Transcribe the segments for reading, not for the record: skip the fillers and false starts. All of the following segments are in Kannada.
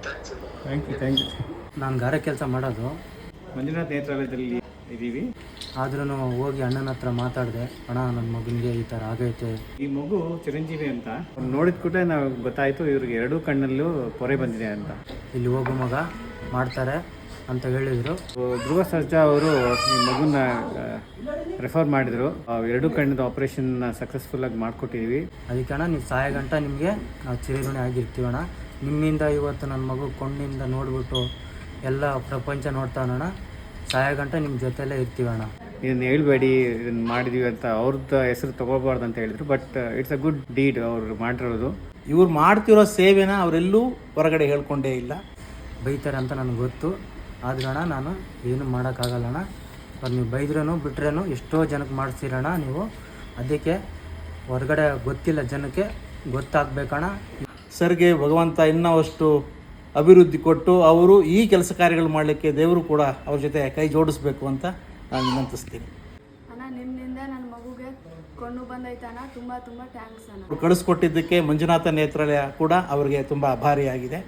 Thank you. ನಾನು ಗಾರೆ ಕೆಲಸ ಮಾಡೋದು ಮಂಜುನಾಥ್ ನೇತ್ರಾಲಯದಲ್ಲಿ ಇದ್ದೀವಿ. ಆದ್ರೂ ಹೋಗಿ ಅಣ್ಣನ ಹತ್ರ ಮಾತಾಡಿದೆ, ಅಣ್ಣ ನನ್ನ ಮಗನಿಗೆ ಈ ಥರ ಆಗೈತೆ. ಈ ಮಗು ಚಿರಂಜೀವಿ ಅಂತ ನೋಡಿದ ಕೂಡಲೇ ನಾವು ಗೊತ್ತಾಯಿತು ಇವ್ರಿಗೆ ಎರಡೂ ಕಣ್ಣಲ್ಲೂ ಪೊರೆ ಬಂದಿದೆ ಅಂತ. ಇಲ್ಲಿ ಹೋಗೋ ಮಗ ಮಾಡ್ತಾರೆ ಅಂತ ಹೇಳಿದರು. ಧ್ರುವ ಸರ್ಜಾ ಅವರು ಈ ಮಗುನ ರೆಫರ್ ಮಾಡಿದರು. ಎರಡೂ ಕಣ್ಣದ ಆಪರೇಷನ್ ಸಕ್ಸಸ್ಫುಲ್ಲಾಗಿ ಮಾಡಿಕೊಟ್ಟಿದ್ದೀವಿ. ಅದಕ್ಕೆ ಅಣ್ಣ ನೀವು ಸಾಯ ಗಂಟ ನಿಮಗೆ ನಾವು ಚಿರಋಣಿ ಆಗಿರ್ತೀವಣ್ಣ. ನಿಮ್ಮಿಂದ ಇವತ್ತು ನನ್ನ ಮಗು ಕೊಂಡಿಂದ ನೋಡಿಬಿಟ್ಟು ಎಲ್ಲ ಪ್ರಪಂಚ ನೋಡ್ತಾನಣ್ಣ. ಸಾಯ ಗಂಟ ನಿಮ್ಮ ಜೊತೆಯಲ್ಲೇ ಇರ್ತೀವಣ್ಣ. ಇದನ್ನು ಹೇಳ್ಬೇಡಿ, ಇದನ್ನು ಮಾಡಿದೀವಿ ಅಂತ ಅವ್ರದ್ದು ಹೆಸರು ತೊಗೋಬಾರ್ದು ಅಂತ ಹೇಳಿದ್ರು. But it's a good deed ಅವ್ರು ಮಾಡಿರೋದು. ಇವ್ರು ಮಾಡ್ತಿರೋ ಸೇವೆನ ಅವರೆಲ್ಲೂ ಹೊರಗಡೆ ಹೇಳ್ಕೊಂಡೇ ಇಲ್ಲ. ಬೈತಾರೆ ಅಂತ ನನಗೆ ಗೊತ್ತು. ಆದ್ರೆ ಅಣ್ಣ ನಾನು ಏನು ಮಾಡೋಕ್ಕಾಗಲ್ಲಣ್ಣ. ಅವ್ರು ನೀವು ಬೈದ್ರೂ ಬಿಟ್ರೇನು ಎಷ್ಟೋ ಜನಕ್ಕೆ ಮಾಡಿಸ್ತೀರಣ್ಣ ನೀವು. ಅದಕ್ಕೆ ಹೊರಗಡೆ ಗೊತ್ತಿಲ್ಲ ಜನಕ್ಕೆ ಗೊತ್ತಾಗಬೇಕಣ್ಣ. ಸರ್ಗೆ ಭಗವಂತ ಇನ್ನಷ್ಟು ಅಭಿವೃದ್ಧಿ ಕೊಟ್ಟು ಅವರು ಈ ಕೆಲಸ ಕಾರ್ಯಗಳು ಮಾಡಲಿಕ್ಕೆ ದೇವರು ಕೂಡ ಅವ್ರ ಜೊತೆ ಕೈ ಜೋಡಿಸ್ಬೇಕು ಅಂತ ನಾನು ವಿನಂತಿಸ್ತೀನಿ. ಅಣ್ಣ ನಿಮ್ಮಿಂದ ನನ್ನ ಮಗುಗೆ ಕೊಂಡು ಬಂದೈತಣ್ಣ. ತುಂಬ ತುಂಬ ಥ್ಯಾಂಕ್ಸ್ ಅಣ್ಣ. ಅವ್ರು ಕಳಿಸ್ಕೊಟ್ಟಿದ್ದಕ್ಕೆ ಮಂಜುನಾಥ ನೇತ್ರಾಲಯ ಕೂಡ ಅವರಿಗೆ ತುಂಬ ಆಭಾರಿಯಾಗಿದೆ.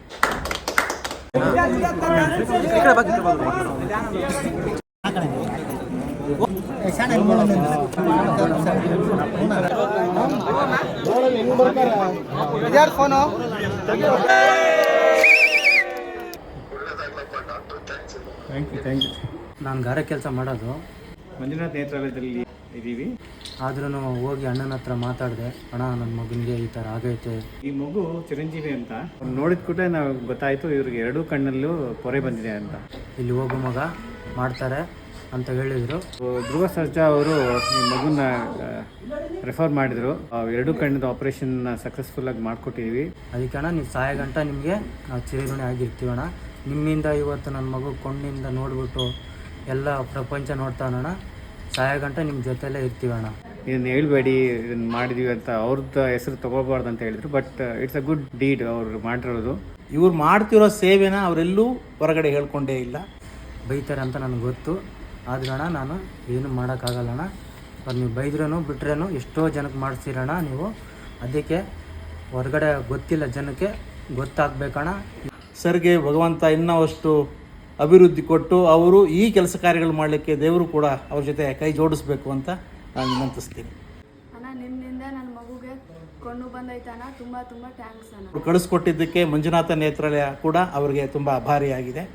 Thank you. ನಾನು ಗಾರೆ ಕೆಲಸ ಮಾಡೋದು ಮಂಜುನಾಥ್ ನೇತ್ರಾಲಯದಲ್ಲಿ ಇದ್ದೀವಿ. ಆದ್ರೂ ಹೋಗಿ ಅಣ್ಣನ ಹತ್ರ ಮಾತಾಡಿದೆ, ಅಣ್ಣ ನನ್ನ ಮಗನಿಗೆ ಈ ಥರ ಆಗೈತೆ. ಈ ಮಗು ಚಿರಂಜೀವಿ ಅಂತ ನೋಡಿದ ಕೂಡಲೇ ನಾವು ಗೊತ್ತಾಯಿತು ಇವ್ರಿಗೆ ಎರಡೂ ಕಣ್ಣಲ್ಲೂ ಪೊರೆ ಬಂದಿದೆ ಅಂತ. ಇಲ್ಲಿ ಹೋಗೋ ಮಗ ಮಾಡ್ತಾರೆ ಅಂತ ಹೇಳಿದರು. ಧ್ರುವ ಸರ್ಜಾ ಅವರು ಈ ಮಗುನ ರೆಫರ್ ಮಾಡಿದರು. ಎರಡೂ ಕಣ್ಣದ ಆಪರೇಷನ್ ಸಕ್ಸಸ್ಫುಲ್ಲಾಗಿ ಮಾಡಿಕೊಟ್ಟಿದ್ದೀವಿ. ಅದಕ್ಕೆ ಅಣ್ಣ ನೀವು ಸಾಯ ಗಂಟ ನಿಮಗೆ ನಾವು ಚಿರಋಣಿ ಆಗಿರ್ತೀವಣ್ಣ. ನಿಮ್ಮಿಂದ ಇವತ್ತು ನನ್ನ ಮಗು ಕೊಂಡಿಂದ ನೋಡಿಬಿಟ್ಟು ಎಲ್ಲ ಪ್ರಪಂಚ ನೋಡ್ತಾನಣ್ಣ. ಸಾಯ ಗಂಟ ನಿಮ್ಮ ಜೊತೆಯಲ್ಲೇ ಇರ್ತೀವಣ್ಣ. ಇದನ್ನು ಹೇಳ್ಬೇಡಿ, ಇದನ್ನು ಮಾಡಿದೀವಿ ಅಂತ ಅವ್ರದ್ದು ಹೆಸರು ತೊಗೋಬಾರ್ದು ಅಂತ ಹೇಳಿದ್ರು. But it's a good deed ಅವ್ರು ಮಾಡಿರೋದು. ಇವ್ರು ಮಾಡ್ತಿರೋ ಸೇವೆನ ಅವರೆಲ್ಲೂ ಹೊರಗಡೆ ಹೇಳ್ಕೊಂಡೇ ಇಲ್ಲ. ಬೈತಾರೆ ಅಂತ ನನಗೆ ಗೊತ್ತು. ಆದ್ರೆ ಅಣ್ಣ ನಾನು ಏನು ಮಾಡೋಕ್ಕಾಗಲ್ಲಣ್ಣ. ಅವ್ರು ನೀವು ಬೈದ್ರೂ ಬಿಟ್ರೇನು ಎಷ್ಟೋ ಜನಕ್ಕೆ ಮಾಡಿಸ್ತೀರಣ್ಣ ನೀವು. ಅದಕ್ಕೆ ಹೊರಗಡೆ ಗೊತ್ತಿಲ್ಲ ಜನಕ್ಕೆ ಗೊತ್ತಾಗಬೇಕಣ್ಣ. ಸರ್ಗೆ ಭಗವಂತ ಇನ್ನಷ್ಟು ಅಭಿವೃದ್ಧಿ ಕೊಟ್ಟು ಅವರು ಈ ಕೆಲಸ ಕಾರ್ಯಗಳು ಮಾಡಲಿಕ್ಕೆ ದೇವರು ಕೂಡ ಅವ್ರ ಜೊತೆ ಕೈ ಜೋಡಿಸ್ಬೇಕು ಅಂತ ನಾನು ವಿನಂತಿಸ್ತೀನಿ. ಅಣ್ಣ ನಿಮ್ಮಿಂದ ನನ್ನ ಮಗುಗೆ ಕೊಂಡು ಬಂದೈತಣ್ಣ. ತುಂಬ ತುಂಬ ಥ್ಯಾಂಕ್ಸ್ ಅಣ್ಣ. ಅವ್ರು ಕಳಿಸ್ಕೊಟ್ಟಿದ್ದಕ್ಕೆ ಮಂಜುನಾಥ ನೇತ್ರಾಲಯ ಕೂಡ ಅವರಿಗೆ ತುಂಬ ಆಭಾರಿಯಾಗಿದೆ.